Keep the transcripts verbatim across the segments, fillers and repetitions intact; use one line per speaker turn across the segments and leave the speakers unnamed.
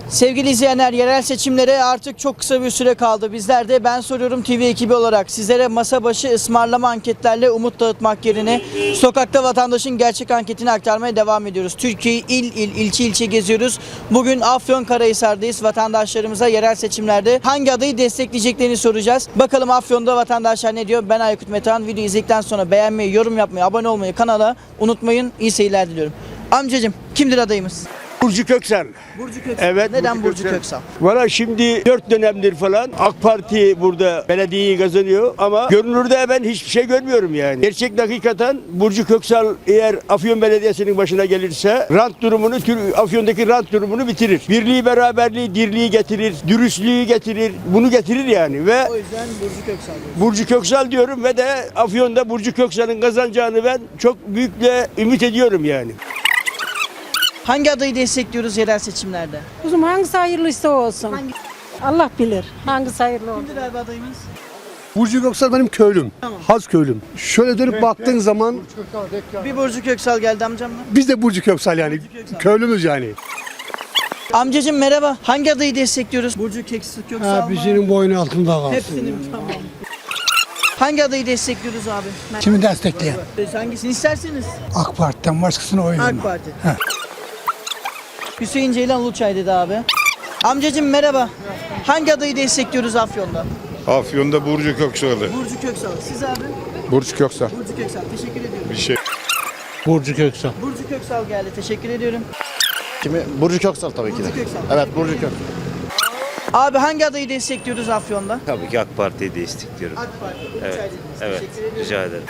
Sevgili izleyenler, yerel seçimlere artık çok kısa bir süre kaldı. Bizler de Ben Soruyorum T V ekibi olarak sizlere masa başı ısmarlama anketlerle umut dağıtmak yerine sokakta vatandaşın gerçek anketini aktarmaya devam ediyoruz. Türkiye'yi il il, ilçe ilçe geziyoruz. Bugün Afyonkarahisar'dayız. Vatandaşlarımıza yerel seçimlerde hangi adayı destekleyeceklerini soracağız. Bakalım Afyon'da vatandaşlar ne diyor? Ben Aykut Metehan. Videoyu izledikten sonra beğenmeyi, yorum yapmayı, abone olmayı kanala unutmayın. İyi seyirler diliyorum. Amcacığım, kimdir adayımız?
Burcu Köksal.
Burcu Köksal.
Evet.
Neden Burcu Köksal? Köksal?
Valla şimdi dört dönemdir falan AK Parti burada belediyeyi kazanıyor ama görünürde ben hiçbir şey görmüyorum yani. Gerçek hakikaten Burcu Köksal eğer Afyon Belediyesi'nin başına gelirse rant durumunu, Afyon'daki rant durumunu bitirir. Birliği, beraberliği, dirliği getirir, dürüstlüğü getirir, bunu getirir yani ve
O yüzden Burcu Köksal diyoruz.
Burcu Köksal diyorum ve de Afyon'da Burcu Köksal'ın kazanacağını ben çok büyükle ümit ediyorum yani.
Hangi adayı destekliyoruz yerel seçimlerde?
Kuzum hangisi hayırlıysa o olsun.
Hangi?
Allah bilir hangisi hayırlı olur.
Kimdir abi adayımız?
Burcu Köksal benim köylüm.
Tamam.
Haz köylüm. Şöyle dönüp baktığın zaman
Bir Burcu Köksal geldi amcamla.
biz de Burcu Köksal yani.
Köksal.
Köylümüz yani.
Amcacığım merhaba. Hangi adayı destekliyoruz? Burcu Köksal Köksal
Ha,
mı?
bizim boynu altında kalsın.
Hepsinin tamam. Hangi adayı destekliyoruz abi?
Kimi destekleyen?
Siz hangisini isterseniz?
AK Parti'den başkasına oy
AK
vermem.
Parti. Hüseyin Ceylan Uluçay dedi abi. Amcacığım merhaba. Hangi adayı destekliyoruz Afyon'da?
Afyon'da Burcu Köksal'ı.
Burcu Köksal. Siz abi?
Burcu Köksal.
Burcu Köksal. Teşekkür ediyorum.
Bir şey.
Burcu Köksal.
Burcu Köksal geldi. Teşekkür ediyorum.
Kimi? Burcu Köksal tabii ki de.
Burcu Köksal.
Evet Burcu Köksal.
Abi hangi adayı destekliyoruz Afyon'da?
Tabii ki AK Parti'yi destekliyorum.
AK Parti.
Evet,
Uluçay dediniz.
evet.
Teşekkür ediyorum.
Rica ederim.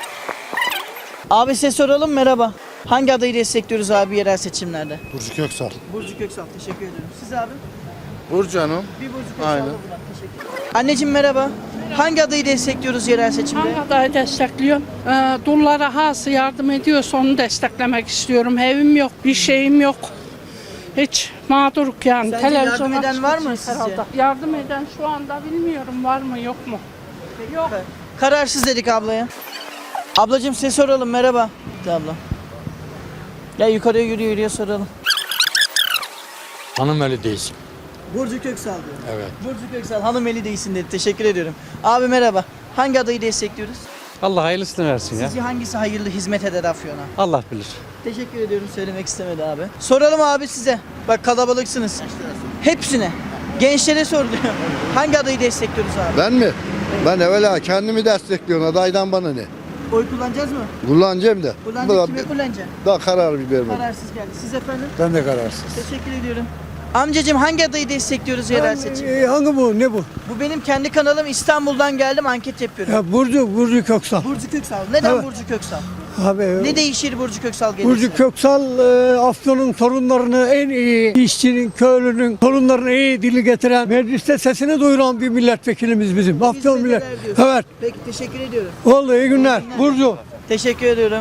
Abi size soralım merhaba. Hangi adayı destekliyoruz abi yerel seçimlerde?
Burcu Köksal.
Burcu Köksal. Teşekkür ediyorum. Siz abi?
Burcu Hanım.
Bir Burcu Köksal
Aynen.
da buradan. Teşekkür ederim. Anneciğim merhaba. Hangi adayı destekliyoruz yerel seçimde?
Hangi adayı destekliyorum? Ee, dullara hası yardım ediyorsa onu desteklemek istiyorum. Evim yok, bir şeyim yok. Hiç mağduruk yani.
Sence yardım eden
çıkacağız
var mı sizce?
herhalde. Yardım eden şu anda bilmiyorum var mı yok mu? Yok.
Kararsız dedik ablaya. Ablacığım size soralım merhaba. Gitti abla. Ya yukarıya yürüyor yürüyor soralım.
Hanımeli değilsin.
Burcu Köksal diyor.
Evet.
Burcu Köksal hanımeli değilsin dedi. Teşekkür ediyorum. Abi merhaba. Hangi adayı destekliyoruz?
Allah hayırlısını versin ya.
Sizce hangisi hayırlı hizmet eder Afyon'a?
Allah bilir.
Teşekkür ediyorum. Söylemek istemedi abi. Soralım abi size. Bak kalabalıksınız. Hepsine. Gençlere soruluyor. Hangi adayı destekliyoruz abi?
Ben mi? Ben evvela kendimi destekliyorum. Adaydan bana ne?
Oy kullanacağız mı?
Kullanacağım da.
Kullanacak kime kullanacaksın?
Daha karar bir vermedim.
Kararsız geldi. Siz efendim?
Ben de kararsız.
Teşekkür ediyorum. Amcacığım hangi adayı destekliyoruz yerel seçim?
Ee, hangi bu? Ne bu?
Bu benim kendi kanalım. İstanbul'dan geldim anket yapıyorum.
Ya Burcu, Burcu Köksal.
Burcu Köksal. Neden
Evet.
Burcu Köksal?
Abi,
Ne değişir Burcu Köksal gelirse?
Burcu Köksal e, Afyon'un sorunlarını en iyi, işçinin, köylünün sorunlarını en iyi dili getiren, mecliste sesini duyuran bir milletvekilimiz bizim. Afyon
Hizmet
millet.
eder diyorsun.
Evet.
Peki teşekkür ediyorum.
Oldu iyi günler. Burcu.
Teşekkür ediyorum.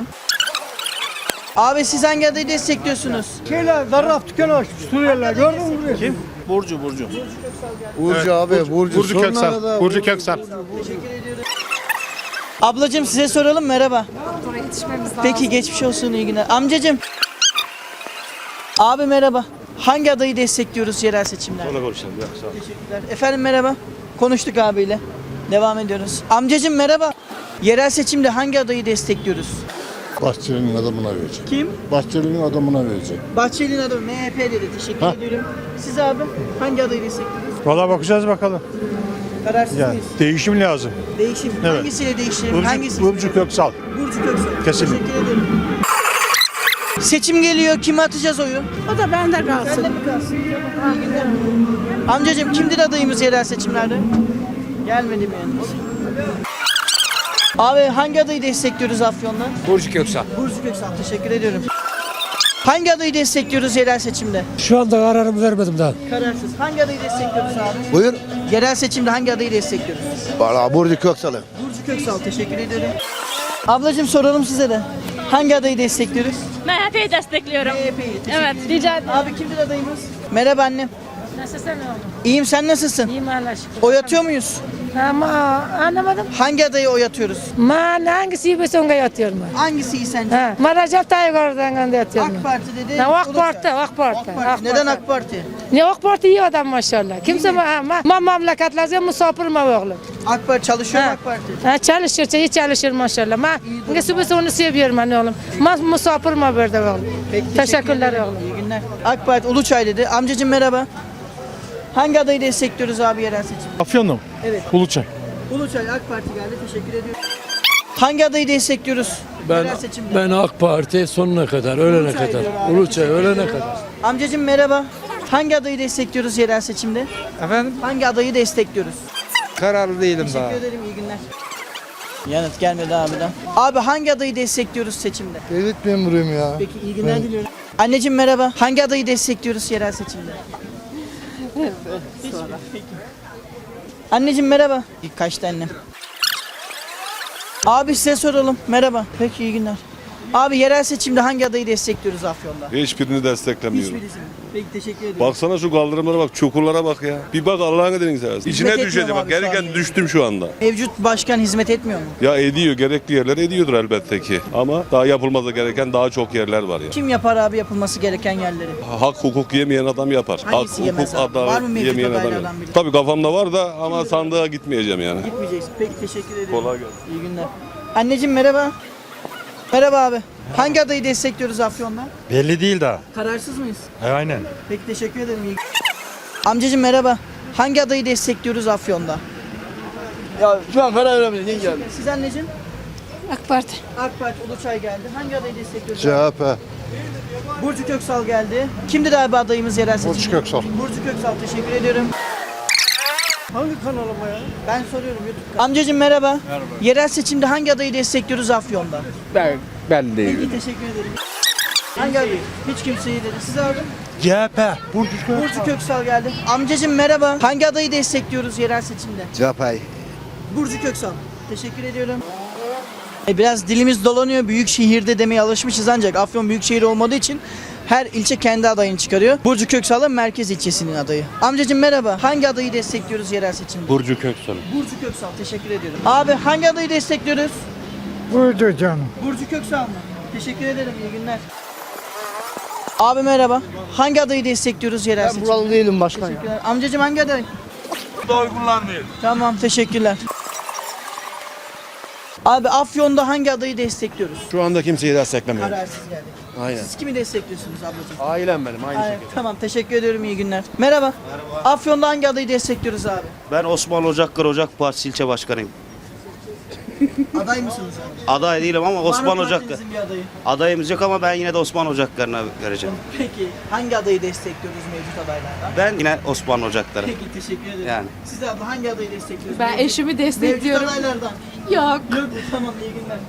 Abi siz hangi adayı destekliyorsunuz?
Şeyler, zarraf dükkanı açmış Suriyeliler. Gördün mü burayı? Kim?
Burcu Burcu.
Burcu abi. Burcu,
Burcu
Sonra
Köksal.
da-
Burcu Köksal.
Teşekkür ediyorum. Ablacığım size soralım merhaba. Peki geçmiş olsun iyi günler. Amcacığım. Abi merhaba. Hangi adayı destekliyoruz yerel seçimlerde?
Sonra konuşalım. Yok, sağ ol.
Teşekkürler. Efendim merhaba. Konuştuk abiyle. Devam ediyoruz. Amcacığım merhaba. Yerel seçimde hangi adayı destekliyoruz?
Bahçeli'nin adamına verecek.
Kim?
Bahçeli'nin adamına verecek.
Bahçeli'nin adamı M H P dedi. Teşekkür ediyorum. Siz abi hangi adayı destekliyorsunuz?
Valla bakacağız bakalım.
Kararsız
Yani
mıyız?
değişim lazım.
Değişim.
Evet.
Hangisiyle değiştirelim?
Burcu,
Hangisi?
Burcu Köksal.
Burcu Köksal.
Kesinlikle.
Teşekkür ederim. Seçim geliyor. Kime atacağız oyu?
O da bende
Sen de
kalsın.
mi kalsın? İyi günler. Amcacığım kimdir adayımız yerel seçimlerde? Gelmedi mi yanımız? Abi hangi adayı destekliyoruz Afyon'da?
Burcu Köksal.
Burcu Köksal. Teşekkür ediyorum. Hangi adayı destekliyoruz yerel seçimde?
Şu anda kararımı vermedim daha.
Kararsız. Hangi adayı destekliyoruz abi?
Buyur.
Yerel seçimde hangi adayı destekliyoruz?
Valla Burcu Köksal'ı.
Burcu Köksal. Teşekkür ediyorum. Ablacığım soralım size de. Hangi adayı destekliyoruz?
M H P'yi destekliyorum.
M H P'yi.
Evet, rica ederim.
Abi kimdir adayımız? Merhaba annem.
Nasılsın oğlum?
İyiyim sen nasılsın?
İyiyim Allah'a şükür.
Oy atıyor muyuz?
Ama anlamadım.
Hangi adayı oy atıyoruz?
Ma hangisi bir songa yatıyorum ben.
Hangisi iyi sence?
Ha, Maracel Tayyip Erdoğan'dan yatıyorum.
AK Parti dedi.
Ha, AK
Uluçay.
Parti, AK Parti.
AK Parti. Neden AK Parti?
Ne AK Parti iyi adam maşallah. Kimse ma, ma, ma memleketlerce misafir mi oğlum?
AK Parti çalışıyor mu
Ha.
AK Parti?
Ha, çalışır, iyi çalışır maşallah. Ma, ne bir onu seviyorum ben oğlum. Ma misafir mi burada oğlum?
Peki,
Teşekkürler
ederim.
oğlum.
İyi günler. AK Parti Uluçay dedi. Amcacığım merhaba. Hangi adayı destekliyoruz abi yerel seçim?
Afyon'da mı?
Evet.
Uluçay.
Uluçay AK Parti geldi. Teşekkür ediyorum. Hangi adayı destekliyoruz?
Ben
yerel seçimde?
ben AK Parti sonuna kadar, ölene
Uluçay
kadar.
diyor abi,
Uluçay
teşekkür
ölene
ediyorum.
kadar.
Amcacığım merhaba. Hangi adayı destekliyoruz yerel seçimde?
Efendim?
Hangi adayı destekliyoruz?
Kararlı değilim daha.
Teşekkür ederim. İyi günler. Yanıt gelmedi abiden. Abi hangi adayı destekliyoruz seçimde?
Devlet memuruyum ya.
Peki iyi günler diliyorum. Anneciğim merhaba. Hangi adayı destekliyoruz yerel seçimde? Sonra. Peki. Anneciğim merhaba. İlk kaçtı annem. Abi size soralım. Merhaba. Peki iyi günler. Abi yerel seçimde hangi adayı destekliyoruz Afyon'da?
Hiçbirini desteklemiyorum.
Hiçbirisi mi? Peki teşekkür ederim.
Baksana şu kaldırımlara bak, çukurlara bak ya. Bir bak Allah'ın adını seversen. İçine
etmiyor
düşeceğim
mu
bak.
abi şu
Gereken
an?
düştüm şu anda.
Mevcut başkan hizmet etmiyor mu?
Ya ediyor, gerekli yerler ediyordur elbette ki. Ama daha yapılması gereken daha çok yerler var ya.
Kim yapar abi yapılması gereken yerleri?
Hak hukuk yemeyen adam yapar.
Hangisi
Hak
yemez
hukuk
abi? Var mı
adalet
mevcut
yemeyen adam
adaylardan
yapar.
biri?
Tabii kafamda var da ama sandığa gitmeyeceğim yani.
Gitmeyeceksin. Peki teşekkür ederim.
Kolay gelsin.
İyi günler. Anneciğim merhaba. Merhaba abi. Hangi adayı destekliyoruz Afyon'da?
Belli değil daha.
Kararsız mıyız?
Aynen.
Peki teşekkür ederim. İyi. Amcacığım merhaba. Hangi adayı destekliyoruz Afyon'da?
Ya şu an karar veremedim.
Siz anneciğim?
AK Parti.
AK Parti Uluçay geldi. Hangi adayı destekliyoruz?
C H P.
Burcu Köksal geldi. Kimdir abi adayımız yerel seçimde?
Burcu Köksal.
Burcu Köksal teşekkür ediyorum.
Hangi kanalım o ya?
Ben soruyorum YouTube. Amcacığım merhaba. Merhaba. Yerel seçimde hangi adayı destekliyoruz Afyon'da?
Ben, ben değilim.
Peki teşekkür ederim. Hangi adayı? Hiç kimseyi dedi. Siz abi?
C H P. Burcu
Burcu Köksal geldi. Amcacığım merhaba. Hangi adayı destekliyoruz yerel seçimde?
C H P.
Burcu Köksal. Teşekkür ediyorum. E biraz dilimiz dolanıyor. Büyük şehirde demeye alışmışız ancak Afyon büyük şehir olmadığı için her ilçe kendi adayını çıkarıyor. Burcu Köksal da merkez ilçesinin adayı. Amcacığım merhaba. Hangi adayı destekliyoruz yerel seçimde?
Burcu Köksal.
Burcu Köksal. Teşekkür ediyorum. Abi hangi adayı destekliyoruz?
Buydu canım.
Burcu Köksal mı? Teşekkür ederim. İyi günler. Abi merhaba. Hangi adayı destekliyoruz yerel seçimde?
Buralı değilim başkan ya.
Teşekkürler. Amcacığım hangi aday?
Oy kullanmıyorum.
Tamam teşekkürler. Abi Afyon'da hangi adayı destekliyoruz?
Şu anda kimseyi desteklemiyorum.
Kararsız geldik.
Aynen.
Siz kimi destekliyorsunuz ablacığım?
Ailem benim aynı
Aynen. Tamam teşekkür ediyorum iyi günler. Merhaba. Merhaba. Afyon'da hangi adayı destekliyoruz abi?
Ben Osman Ocakkar Ocak Partisi ilçe başkanıyım.
Aday mısınız abi?
Aday değilim ama Osman
Var mı
Ocakkar.
partinizin bir adayı?
Adayımız yok ama ben yine de Osman Ocakkar'ına vereceğim.
Peki hangi adayı destekliyoruz mevcut adaylardan?
Ben yine Osman Ocakkar'ı.
Peki teşekkür ederim.
Yani.
Siz de abla hangi adayı destekliyorsunuz?
Ben
Mevcut-
eşimi destekliyorum.
Mevcut adaylardan.
Yok.
Yok mu? Tamam iyi günler.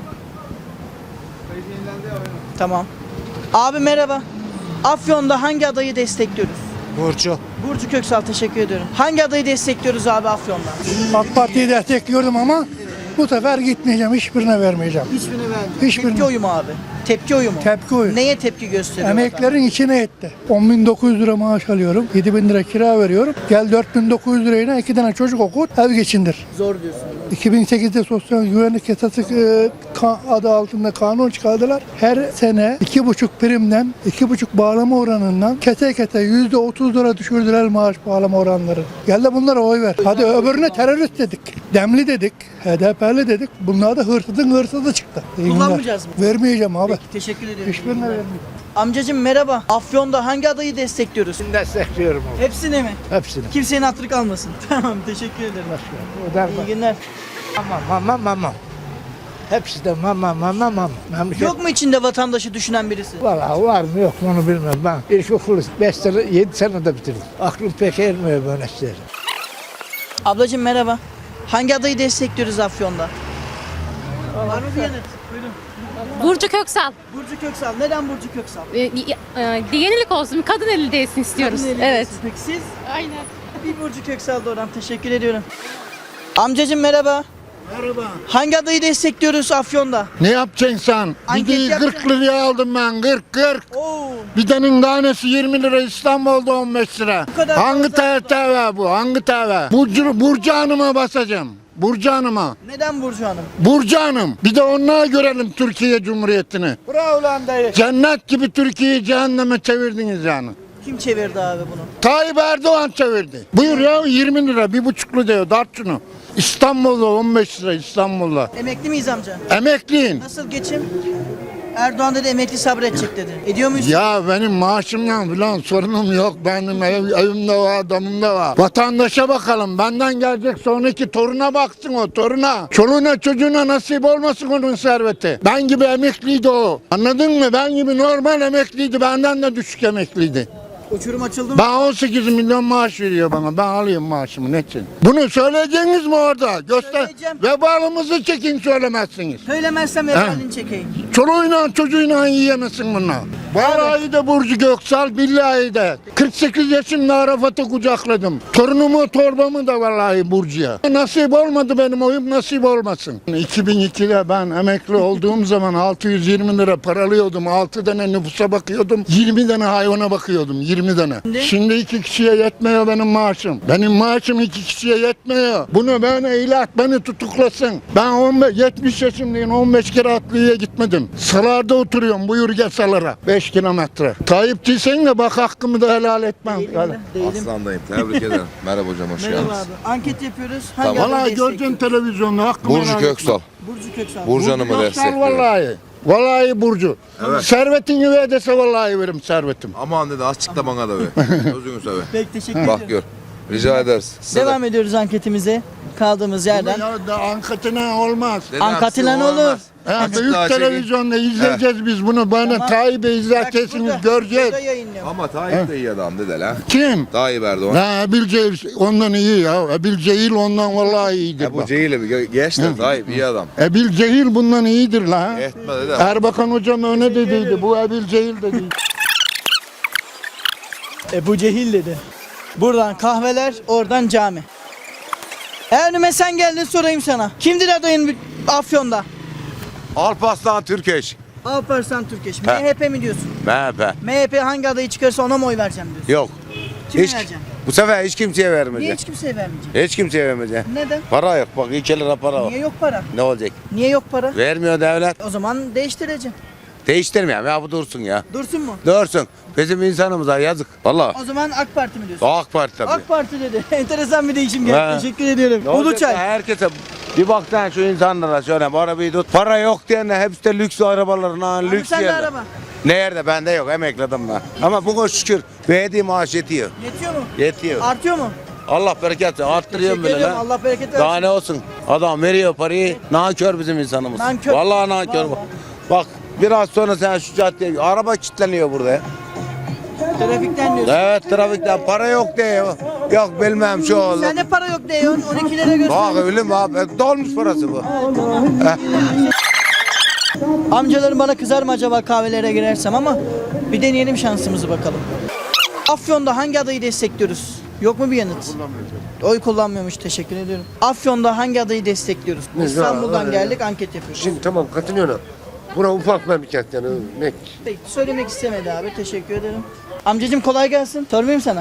Tamam. Abi merhaba. Afyon'da hangi adayı destekliyoruz?
Burcu.
Burcu Köksal teşekkür ediyorum. Hangi adayı destekliyoruz abi Afyon'da?
AK Parti'yi destekliyordum ama bu sefer gitmeyeceğim. Hiçbirine vermeyeceğim.
Hiçbirini vermiyorum.
Hiçbirini.
Tepki oyu mu abi? Tepki oyu mu?
Tepki oyu.
Neye tepki gösteriyor?
Emeklerin içine etti. on bin dokuz yüz lira maaş alıyorum. yedi bin lira kira veriyorum. Gel dört bin dokuz yüz lirayla iki tane çocuk okut, ev geçindir.
Zor diyorsun.
iki bin sekizde sosyal güvenlik yasası e, ka- adı altında kanun çıkardılar. Her sene iki buçuk primden, iki buçuk bağlama oranından kete kete yüzde otuz lira düşürdüler maaş bağlama oranları. Gel de bunlara oy ver. Hadi öbürüne terörist dedik. Demli dedik. H D P'li dedik. Bunlar da hırsızın hırsızı çıktı. İyi günler.
Kullanmayacağız mı?
Vermeyeceğim abi.
Peki teşekkür ediyorum.
Hiçbirine vermeyeceğim.
Amcacığım merhaba. Afyon'da hangi adayı destekliyoruz?
Destekliyorum abi.
Hepsini mi?
Hepsini.
Kimsenin hatırı kalmasın. Tamam teşekkür ederim. İyi günler.
Mama mama mama. Hepsi de mama mama mama. Memleket.
Yok mu içinde vatandaşı düşünen birisi?
Valla var mı yok mu onu bilmem. Ben ilkokulu beş sene, yedi senede bitirdim. Aklım pek ermiyor böyle şeyler.
Ablacığım merhaba. Hangi adayı destekliyoruz Afyon'da? Var mı bir yanıt? Buyurun.
Burcu Köksal.
Burcu Köksal. Neden Burcu Köksal?
Ee, y- e, yenilik olsun, kadın eli değsin istiyoruz.
Kadın eli
Evet.
değilsin. Peki siz?
Aynen.
Bir Burcu Köksal doğran. Teşekkür ediyorum. Amcacığım merhaba. Hangi adayı destekliyoruz Afyon'da?
Ne yapacaksın sen?
Anket
Videoyu
yapacağım.
kırk liraya aldım ben. kırk kırk.
Oo.
Bidenin tanesi yirmi lira, İstanbul'da on beş lira.
Bu kadar
Hangi
fazla.
T V bu? Hangi T V? Burcu, Burcu Hanım'a basacağım. Burcu Hanım'a.
Neden Burcu Hanım?
Burcu Hanım. Bir de onunla görelim Türkiye Cumhuriyeti'ni.
Bravo lan dayı.
Cennet gibi Türkiye'yi cehenneme çevirdiniz yani.
Kim çevirdi abi bunu?
Tayyip Erdoğan çevirdi. Buyur ya yirmi lira, bir buçuklu diyor. Dart şunu. İstanbul'da on beş lira İstanbul'da.
Emekli miyiz amca?
Emekliyin.
Nasıl geçim? Erdoğan dedi emekli sabredecek dedi. Ediyor muyuz?
Ya benim maaşımla falan sorunum yok. Benim ev, evimde var, adamım da var. Vatandaşa bakalım. Benden gelecek sonraki toruna baksın o toruna. Çoluğuna çocuğuna nasip olmasın onun serveti. Ben gibi emekliydi o. Anladın mı? Ben gibi normal emekliydi. Benden de düşük emekliydi.
Uçurum açıldı mı?
Ben on sekiz milyon maaş veriyor bana. Ben alayım maaşımı ne için? Bunu söyleyeceğiniz mi orada? Göster.
Söyleyeceğim.
Vebalımızı çekin söylemezsiniz.
Söylemezsem efendim çekeyim.
Çoluğuyla çocuğuyla yiyemezsin bunu. Vallahi de Burcu Göksal, billahi de. kırk sekiz yaşımda Arafat'ı kucakladım. Torunumu, torbamı da vallahi Burcu'ya. Nasip olmadı benim oyum, nasip olmasın. iki bin ikide ben emekli olduğum zaman altı yüz yirmi lira paralıyordum. altı tane nüfusa bakıyordum. yirmi tane hayvana bakıyordum. yirmi tane.
Şimdi?
Şimdi iki kişiye yetmiyor benim maaşım. Benim maaşım iki kişiye yetmiyor. Bunu ben ilat, beni tutuklasın. Ben on beş, yetmiş yaşındayım. on beş kere atlıya gitmedim. Salarda oturuyorum. Buyur gel salara. beş kilometre. Tayyip değilsen de bak hakkımı da helal etmem.
Değilim
Yani.
de, değilim.
Aslandayım. Tebrik ederim. Merhaba hocam, hoş
Merhaba
geldiniz.
abi. Anket yapıyoruz. Hangi
Tamam.
adayı
Vallahi gördün
destekliyoruz?
televizyonda hakkımı
Burcu
helal
Köksal.
etmem.
Burcu Köksal.
Burcu Hanım'ı
Göksal
destekliyorum.
vallahi. Vallahi Burcu.
Evet.
Servetin gibi edese vallahi verim servetim.
Aman dedi, açıkla bana da be. Gözünü seveyim.
Peki teşekkür
Bak
ediyorum.
gör. Rica ederiz. Size de.
Devam ediyoruz anketimize. Kaldığımız yerden.
Ya da ankatına olmaz.
Dedi,
Ankatilen
aksi
olur.
olmaz.
Ya
Açıkla,
büyük
çekin.
televizyonda izleyeceğiz biz bunu. Bana
Tamam.
Tayyip'e
Bak
izlerkesiniz
burada,
göreceğiz.
burada yayınlıyorum.
Ama Tayyip de iyi adam dedi lan.
Kim?
Tayyip Erdoğan.
Ha Ebil Cehil ondan iyi ya. Ebil Cehil ondan vallahi iyidir
Ya bu
bak.
Cehil'i bir ge- geç de Tayyip iyi adam.
Ebil Cehil bundan iyidir la.
Etme dedi.
Erbakan hocam öyle dediydi. Bu Ebil Cehil dedi.
Ebu Cehil dedi. Buradan kahveler, oradan cami. Eğer önüme sen geldin sorayım sana. Kimdir adayın Afyon'da?
Alparslan Türkeş.
Alparslan Türkeş.
He.
M H P mi diyorsun?
M H P.
M H P hangi adayı çıkarsa ona mı oy vereceğim diyorsun?
Yok.
Kime
Hiç,
vereceğim?
bu sefer hiç kimseye
Niye
vermeyeceğim.
hiç kimseye vermeyeceğim?
Hiç kimseye vermeyeceğim.
Neden?
Para yok. Bak iki lira para var.
Niye yok para?
Ne olacak?
Niye yok para?
Vermiyor devlet.
O zaman değiştireceğim.
Değiştirmeyeyim ya, bu dursun ya.
Dursun mu?
Dursun. Bizim insanımıza yazık. Valla.
O zaman AK Parti mi diyorsun?
AK Parti tabii.
AK Parti dedi. Enteresan bir değişim geldi.
He.
Teşekkür ediyorum.
Ne olacak
Uluçay.
ya? Herkese bir bak sen şu insanlara şöyle bu arabayı tut. Para yok diyenler hepsi de lüks arabaların ha,
Abi
lüks
sende
yerler.
araba.
Nerede? Bende yok. Emekledim ben. Ama bugün şükür verdiği maaş yetiyor.
Yetiyor mu?
Yetiyor.
Artıyor mu?
Allah bereket versin. Arttırıyorum
Teşekkür
bile
ediyorum.
lan.
Allah bereket
Daha
versin.
ne olsun? Adam veriyor parayı. Nankör bizim insanımız.
Nankör.
Vallahi nankör.
Vallahi.
Bak biraz sonra sen şu caddeye araba kilitleniyor burada ya.
Trafikten diyorsun.
Evet trafikten para yok diyor. Yok bilmem şu oldu.
Sende para yok diyorsun. on iki lira göster.
Bak öyle mi abi? Dolmuş parası bu.
Amcalarım bana kızar mı acaba kahvelere girersem ama bir deneyelim şansımızı bakalım. Afyon'da hangi adayı destekliyoruz? Yok mu bir yanıt? Oy kullanmıyormuş, teşekkür ediyorum. Afyon'da hangi adayı destekliyoruz? İstanbul'dan geldik, anket yapıyoruz.
Şimdi tamam katılıyorum. Bura ufak memleket yani. Ne?
Peki, söylemek istemedi abi, teşekkür ederim. Amcacığım kolay gelsin. Sormayayım sana.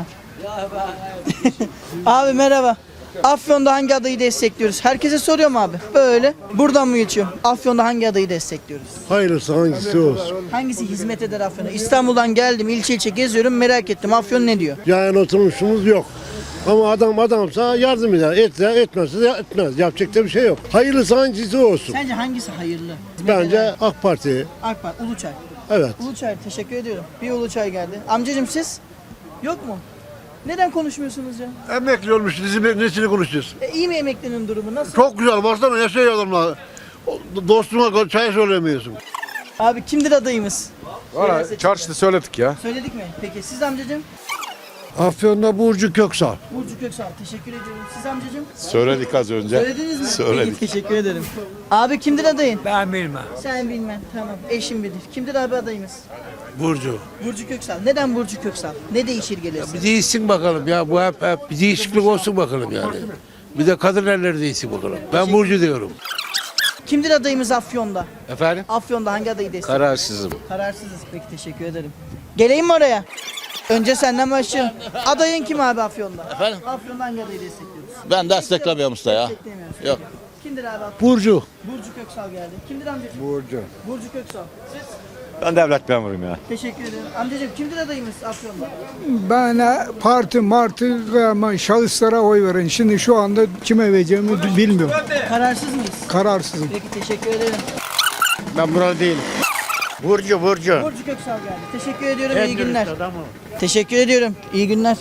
Abi merhaba. Afyon'da hangi adayı destekliyoruz? Herkese soruyorum abi. Böyle. Buradan mı geçiyor? Afyon'da hangi adayı destekliyoruz?
Hayırlısı hangisi olsun.
Hangisi hizmet eder Afyon'a? İstanbul'dan geldim, ilçe ilçe geziyorum, merak ettim. Afyon ne diyor?
Yani oturmuşumuz yok. Ama adam adamsa yardım eder. Etse etmezse de etmez. Yapacak da bir şey yok. Hayırlısı hangisi olsun.
Sence hangisi hayırlı? Hizmet
Bence
eder.
AK Parti.
AK Parti, Uluçay.
Evet.
Uluçay, teşekkür ediyorum. Bir Uluçay geldi. Amcacığım siz? Yok mu? Neden konuşmuyorsunuz ya?
Emekli olmuş. Bizim nesini konuşuyoruz?
E, iyi mi emeklinin durumu? Nasıl?
Çok güzel. Baksana yaşıyor adamlar. Dostuma çay söylemiyorsun.
Abi kimdir adayımız? Siyaset-
Çarşıda söyledik ya.
Söyledik mi? Peki siz amcacığım?
Afyon'da Burcu Köksal.
Burcu Köksal, teşekkür ediyorum. Siz amcacığım?
Söyledik az önce.
Söylediniz mi?
Söyledik.
Peki, teşekkür ederim. Abi kimdir adayın?
Ben bilmem.
Sen bilmem. Tamam. Eşim bilir. Kimdir abi adayımız?
Burcu.
Burcu Köksal. Neden Burcu Köksal? Ne değişir gelirse?
Bir değişsin bakalım ya. Bu hep, hep bir değişiklik olsun bakalım yani.
Bir de kadın elleri de iyisi bulurum. Ben Burcu diyorum.
Kimdir adayımız Afyon'da?
Efendim?
Afyon'da hangi adayı destekliyoruz?
Kararsızım.
Kararsızız. Peki teşekkür ederim. Geleyim mi oraya? Önce senden başlayalım. Adayın kim abi Afyon'da?
Efendim?
Afyon'da hangi adayı destekliyoruz?
Ben desteklemiyorum usta ya.
Desteklemiyoruz.
Yok.
Kimdir abi Afyon'da?
Burcu.
Burcu Köksal geldi. Kimdir amcacığım?
Burcu.
Burcu Köksal. Siz?
Ben devlet memuruyum ya.
Teşekkür ederim. Amcacığım kimdir adayımız Afyon'da?
Ben parti martı ama şahıslara oy verin. Şimdi şu anda kime vereceğimi bilmiyorum.
Kararsız mıyız?
Kararsızım.
Peki teşekkür ederim.
Ben buralı değilim. Burcu, Burcu.
Burcu Köksal geldi. Teşekkür ediyorum. İyi günler. Teşekkür ediyorum. İyi günler.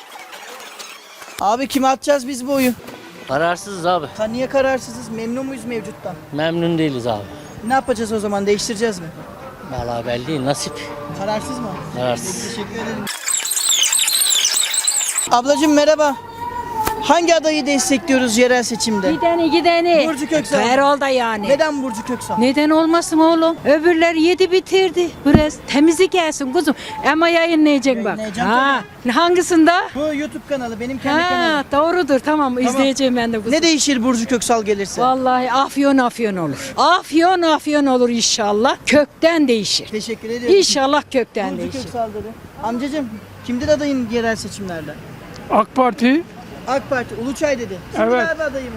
Abi kime atacağız biz bu oyu?
Kararsızız abi.
Ha, niye kararsızız? Memnun muyuz mevcuttan?
Memnun değiliz abi.
Ne yapacağız o zaman? Değiştireceğiz mi?
Vallahi belli değil. Nasip.
Kararsız mı?
Kararsız.
Peki, teşekkür ederim. Ablacığım merhaba. Hangi adayı destekliyoruz yerel seçimde?
Gideni gideni.
Burcu Köksal.
Herhalde yani.
Neden Burcu Köksal?
Neden olmasın oğlum? Öbürler yedi bitirdi. Biraz temizlik gelsin kuzum. Ama yayınlayacak bak.
Yayınlayacağım
Ha, hangisinde?
Bu YouTube kanalı, benim kendi
Ha,
kanalım.
doğrudur tamam, izleyeceğim ben de kuzum.
Ne değişir Burcu Köksal gelirse?
Vallahi afyon afyon olur. Afyon afyon olur inşallah. Kökten değişir.
Teşekkür ediyorum.
İnşallah kökten
Burcu
değişir.
Köksal dedi. Amcacığım kimdir adayın yerel seçimlerde?
AK Parti.
AK Parti, Uluçay dedi. Kimdir
Evet.
abi adayımız?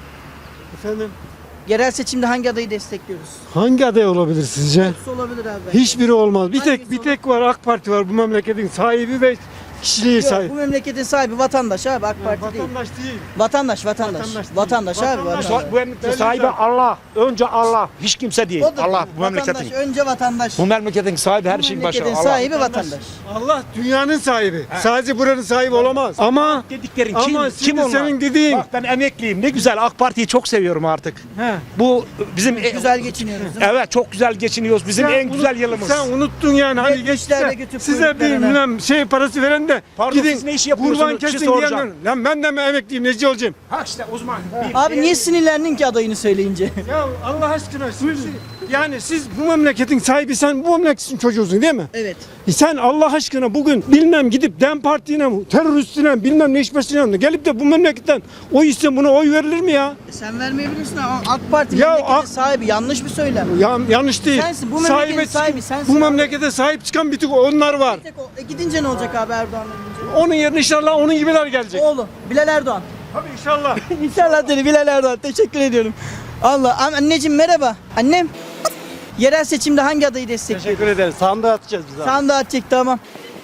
Efendim?
Yerel seçimde hangi adayı destekliyoruz?
Hangi aday olabilir sizce?
Hepsi olabilir abi.
Hiçbiri olmaz. Bir
Hangisi
tek bir tek var, AK Parti var bu memleketin sahibi ve kişiliği
Yok,
sahibi.
bu memleketin sahibi vatandaş abi, AK Parti değil.
Vatandaş değil.
Vatandaş, vatandaş.
Vatandaş
Vatandaş,
değil.
abi,
Vatandaş.
vatandaş.
Bu memleketin sahibi Allah. Önce Allah. Hiç kimse değil.
O da
Allah bu
vatandaş,
memleketin.
önce vatandaş.
Bu memleketin sahibi her
Bu
şeyin başı.
memleketin
Allah.
sahibi vatandaş.
Allah dünyanın sahibi. Sadece buranın sahibi olamaz. Ama
Dediklerin
ama
kim,
şimdi
kim onlar?
senin dediğin.
Bak ben emekliyim. Ne güzel AK Parti'yi çok seviyorum artık.
He.
Bu bizim
Güzel geçiniyoruz değil mi?
Evet çok güzel geçiniyoruz. Bizim
Sen
en güzel
unut-
yılımız.
Sen unuttun yani hani
Yetmişlerde
geçti.
götürüp
Size bir
kuyruklarına.
bilmem şey parası veren de
Pardon,
gidin
siz ne iş yapıyorsunuz?
kurban
Bir şey
kesin
soracağım.
diyenler. Lan ben de mi emekliyim neci olacağım?
Ha işte uzman.
Abi niye sinirlendin ki adayını söyleyince?
Ya Allah aşkına siz, yani siz bu memleketin sahibi, sen bu memleketin çocuğusun değil mi?
Evet.
E sen Allah aşkına bugün bilmem gidip DEM Parti'ne mi, teröristine bilmem ne işbirliğine mi gelip de bu memleketten oy iste, buna oy verilir mi ya?
E sen vermeyebilirsin ama AK Parti
Ya
memleketin
AK-
sahibi, yanlış bir söylem.
Ya, yanlış değil.
Sensin, bu memleketin
Sahibi-
sahibi sensin
Bu
abi.
memlekete sahip çıkan bir tek onlar var.
Tek o- E gidince ne olacak abi Erdoğan'la gidince?
Onun yerine inşallah onun gibiler gelecek.
Oğlum Bilal Erdoğan.
Tabii inşallah.
İnşallah dedi Bilal Erdoğan. Teşekkür ediyorum. Allah. An- Anneciğim merhaba. Annem. Yerel seçimde hangi adayı destekliyor?
Teşekkür ederiz. Sandığa atacağız biz abi.
Sandığa atacak, tamam.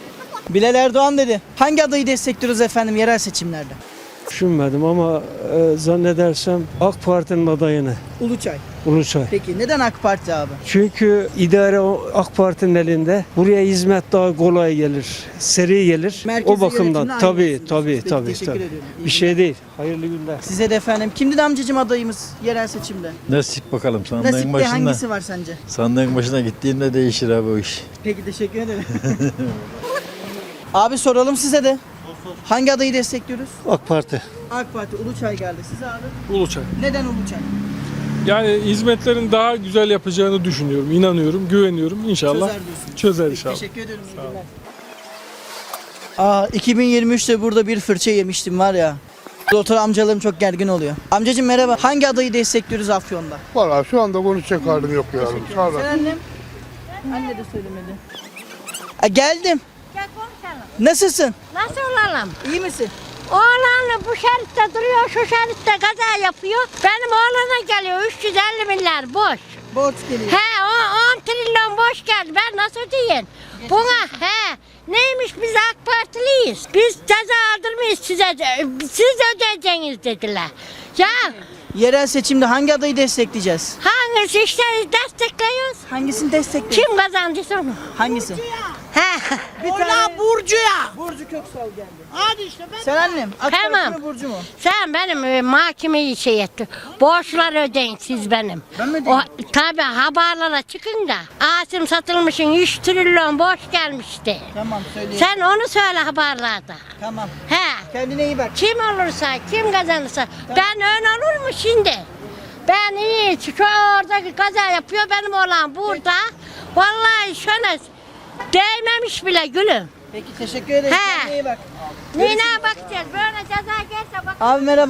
Bilal Erdoğan dedi. Hangi adayı destekliyoruz efendim yerel seçimlerde?
Düşünmedim ama e, zannedersem AK Parti'nin adayını
Uluçay.
Uluçay.
Peki neden AK Parti abi?
Çünkü idare o AK Parti'nin elinde. Buraya hizmet daha kolay gelir, seri gelir.
Merkezi
o bakımdan
yönetimle aynı
tabii
diyorsunuz.
tabii
Peki,
tabii
teşekkür
tabii.
ediyorum. İyi
Bir şey değil. Hayırlı günler.
Size de efendim. Kimdi de amcacığım adayımız yerel seçimde?
Nasip bakalım sandığın
Nasipte
başında.
hangisi var sence?
Sandığın başına gittiğinde değişir abi o iş.
Peki teşekkür ederim. Abi soralım size de. Hangi adayı destekliyoruz?
AK Parti.
AK Parti, Uluçay geldi. Size abi?
Uluçay.
Neden Uluçay?
Yani hizmetlerin daha güzel yapacağını düşünüyorum, inanıyorum, güveniyorum. İnşallah
Çözer diyorsunuz.
çözer
Peki,
inşallah.
teşekkür ederim. iyi günler. Aa, iki bin yirmi üçte burada bir fırça yemiştim var ya. Doktor amcalarım çok gergin oluyor. Amcacığım merhaba. Hangi adayı destekliyoruz Afyon'da?
Valla şu anda konuşacak halim yok ya. Sağ ol.
Sen annem? Anne de söylemedi. Aa, geldim. Nasılsın?
Nasıl olalım?
İyi misin?
Oğlanla bu şeritte duruyor, şu şeritte kaza yapıyor. Benim oğlana geliyor üç yüz elli milyar boş.
Borç geliyor.
He, o on trilyon boş geldi. Ben nasıl diyeyim? Buna he. Neymiş biz AK Partiliyiz. Biz ceza aldırmayız size. Siz ödeyeceksiniz dediler. Ya
Yerel seçimde hangi adayı destekleyeceğiz?
hangisi işte destekliyoruz?
Hangisini destekliyoruz?
Kim kazandıysa onu.
Hangisi?
He.
Bir tane Burcu'ya. Burcu Köksal geldi. Hadi işte ben. Sen annem. AK Parti
Tamam.
mi Burcu mu?
Sen benim e, mahkemeyi şey etti. Borçlar ödeyin siz benim.
Ben mi
O,
ödeyeyim?
tabii haberlere çıkın da. Asım satılmışın üç trilyon borç gelmişti.
Tamam söyleyeyim.
Sen onu söyle haberlerde.
Tamam.
He.
Kendine iyi bak.
Kim olursa, kim kazanırsa. Ben ön olur mu şimdi? Ben iyi, şu oradaki kaza yapıyor benim oğlan burada. Vallahi şöyle değmemiş bile gülüm.
Peki teşekkür ederim.
He.
Kendine iyi bak.
Neyine bakacağız? Böyle ceza gelse bak.
Abi merhaba.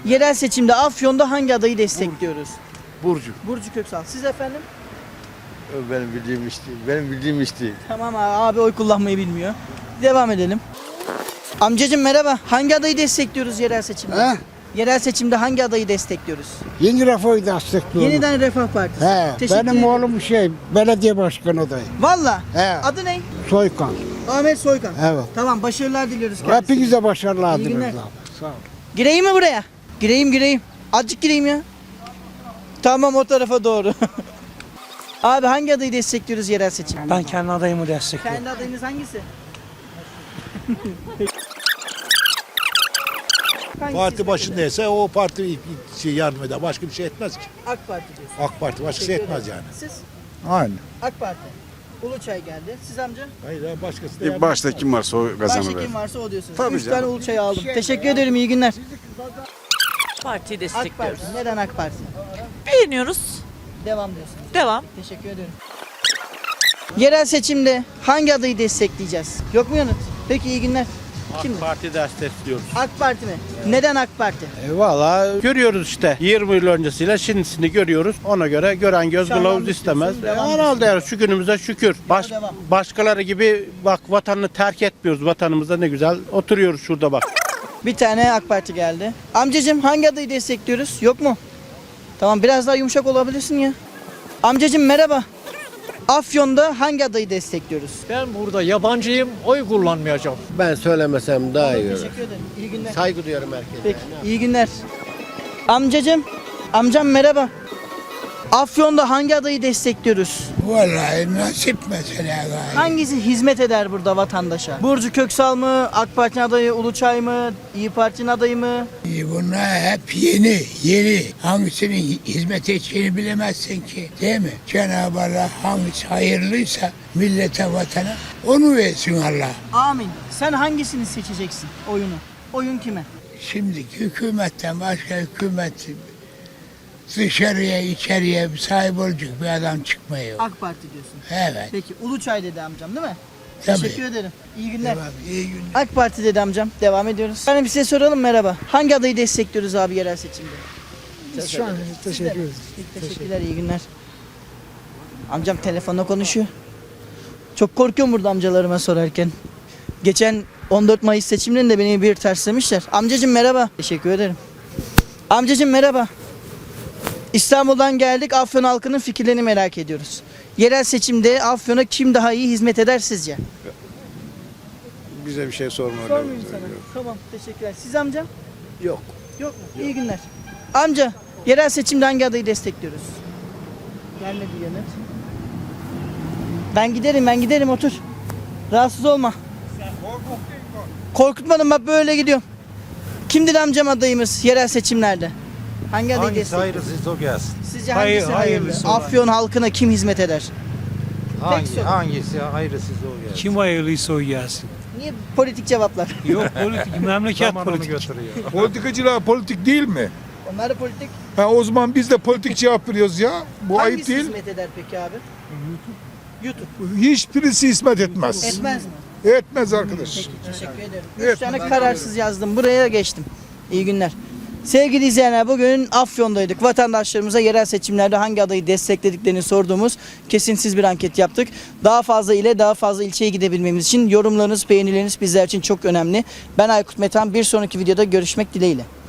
Yerel seçimde Afyon'da hangi adayı destekliyoruz?
Burcu.
Burcu Köksal. Siz efendim?
Benim bildiğim iş değil. Benim bildiğim iş değil.
Tamam abi, abi oy kullanmayı bilmiyor. Devam edelim. Amcacım merhaba. Hangi adayı destekliyoruz yerel seçimde?
He?
Yerel seçimde hangi adayı destekliyoruz?
Yeni Refah'ı destekliyorum.
Yeniden Refah Partisi.
He,
Teşekkür
benim
ederim.
oğlum şey belediye başkanı adayı.
Valla.
He.
Adı ne?
Soykan.
Ahmet Soykan.
Evet.
Tamam, başarılar diliyoruz kendisine.
Hepinize başarılar
İyi günler.
dileriz abi. Sağ ol.
Gireyim mi buraya? Gireyim gireyim. Azıcık gireyim ya. Tamam, o tarafa doğru. Abi hangi adayı destekliyoruz yerel seçimde?
Ben kendi adayımı destekliyorum.
Kendi adayınız hangisi? Hangisi
Parti başındaysa o parti şey yardım eder. Başka bir şey etmez ki.
AK Parti diyorsun.
AK Parti başkası
Teşekkür
etmez
ederim.
yani.
Siz?
Aynen.
AK Parti. Uluçay geldi. Siz amca?
Hayır ya başkası da yardım
Başta kim varsa o
Başka kim varsa o diyorsunuz.
Tabii
Üç
canım.
tane Uluçay aldım. Teşekkür ederim. İyi günler.
Partiyi
AK
destekliyoruz.
Parti. Neden AK Parti?
Beğeniyoruz.
Devam diyorsunuz.
Devam.
Teşekkür ederim. Yerel seçimde hangi adayı destekleyeceğiz? Yok mu yanıt? Peki, iyi günler. Kimdi?
Parti destekliyoruz.
AK Parti mi? Neden AK Parti?
E, Valla görüyoruz işte. yirmi yıl öncesiyle şimdisini görüyoruz. Ona göre gören göz
Şahlan
kılavuz
düşüyorsun,
istemez. E,
devam
herhalde yani şu günümüze şükür. Baş,
devam.
başkaları gibi bak vatanını terk etmiyoruz. Vatanımızda ne güzel oturuyoruz şurada bak.
Bir tane AK Parti geldi. Amcacığım hangi adayı destekliyoruz? Yok mu? Tamam, biraz daha yumuşak olabilirsin ya. Amcacığım merhaba. Afyon'da hangi adayı destekliyoruz?
Ben burada yabancıyım, oy kullanmayacağım.
Ben söylemesem daha iyi olur.
Teşekkür ederim. İyi günler.
Saygı duyarım herkese.
Peki, iyi günler. Amcacığım, amcam merhaba. Afyon'da hangi adayı destekliyoruz?
Vallahi nasip mesela galiba.
Hangisi hizmet eder burada vatandaşa? Burcu Köksal mı, AK Parti'nin adayı Uluçay mı, İyi Parti'nin adayı mı?
Bunlar hep yeni, yeni. Hangisinin hizmet edeceğini bilemezsin ki. Değil mi? Cenab-ı Allah hangisi hayırlıysa millete, vatana onu versin Allah.
Amin. Sen hangisini seçeceksin oyunu? Oyun kime?
Şimdiki hükümetten başka hükümet dışarıya içeriye sahip olacak bir adam çıkmıyor.
AK Parti diyorsun.
Evet.
Peki, Uluçay dedi amcam değil mi?
Tabii.
Teşekkür ederim. İyi günler.
Tamam, iyi günler.
AK Parti dedi amcam. Devam ediyoruz. Hani size soralım, merhaba. Hangi adayı destekliyoruz abi yerel seçimde?
Şu an teşekkür ederim.
Teşekkürler, iyi günler. Amcam telefonla konuşuyor. Çok korkuyorum burada amcalarıma sorarken. Geçen on dört Mayıs seçimlerinde beni bir terslemişler. Amcacım merhaba. Teşekkür ederim. Amcacım merhaba. İstanbul'dan geldik. Afyon halkının fikirlerini merak ediyoruz. Yerel seçimde Afyon'a kim daha iyi hizmet eder sizce?
Bize bir şey sorma.
Sormayayım sana. Tamam, teşekkürler. Siz amcam?
Yok.
Yok mu? İyi günler. Amca, yerel seçimde hangi adayı destekliyoruz? Gelmedi yanıt. Ben giderim, ben giderim, otur. Rahatsız olma. Korkutmadım, bak böyle gidiyorum. Kimdir amcam adayımız yerel seçimlerde? Hangi adayı destekliyoruz?
hayırlısı o gelsin.
Sizce
Hayır-
hangisi hayırlı?
hayırlısı olan.
Afyon halkına kim hizmet eder? Tek soru.
hangisi hayırlısı o gelsin.
Kim hayırlıysa o gelsin.
Niye politik cevaplar?
Yok politik, memleket politik.
Politikacılar politik değil mi?
Onlar da politik.
Ha, o zaman biz de politik cevap veriyoruz ya. Bu ayıp
Hangisi
değil.
hizmet eder peki abi? YouTube.
Hiçbirisi hizmet etmez.
Etmez mi?
Etmez arkadaş.
Peki, teşekkür ederim.
Evet.
Üç tane kararsız yazdım. Buraya geçtim. İyi günler. Sevgili izleyenler, bugün Afyon'daydık. Vatandaşlarımıza yerel seçimlerde hangi adayı desteklediklerini sorduğumuz kesintisiz bir anket yaptık. Daha fazla ile daha fazla ilçeye gidebilmemiz için yorumlarınız, beğenileriniz bizler için çok önemli. Ben Aykut Metan. Bir sonraki videoda görüşmek dileğiyle.